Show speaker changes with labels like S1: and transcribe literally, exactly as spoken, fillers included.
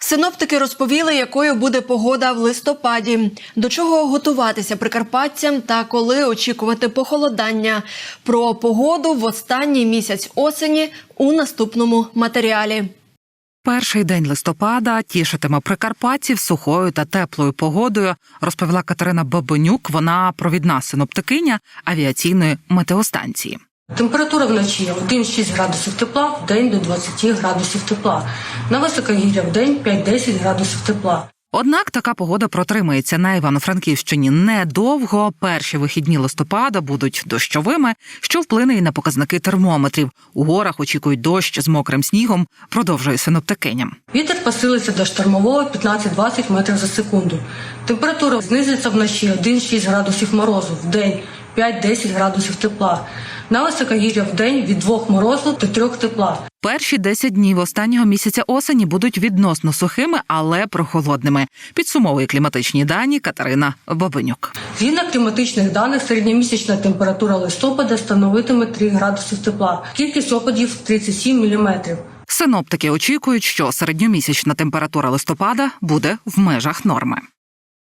S1: Синоптики розповіли, якою буде погода в листопаді, до чого готуватися прикарпатцям та коли очікувати похолодання. Про погоду в останній місяць осені у наступному матеріалі.
S2: Перший день листопада тішитиме прикарпатців сухою та теплою погодою, розповіла Катерина Бабенюк, вона провідна синоптикиня авіаційної метеостанції.
S3: Температура вночі один-шість градусів тепла, в день до двадцяти градусів тепла. На високогір'я в день п'ять-десять градусів тепла.
S2: Однак така погода протримається на Івано-Франківщині недовго. Перші вихідні листопада будуть дощовими, що вплине і на показники термометрів. У горах очікують дощ з мокрим снігом, продовжує синоптикиня.
S3: Вітер посилиться до штормового п'ятнадцять-двадцять метрів за секунду. Температура знизиться вночі один-шість градусів морозу, в день п'ять-десять градусів тепла. На високогір'я в день від двох морозу до трьох тепла.
S2: Перші десять днів останнього місяця осені будуть відносно сухими, але прохолодними. Підсумовує кліматичні дані Катерина Бабенюк.
S3: Згідно кліматичних даних, середньомісячна температура листопада становитиме три градуси тепла. Кількість опадів – тридцять сім міліметрів.
S2: Синоптики очікують, що середньомісячна температура листопада буде в межах норми.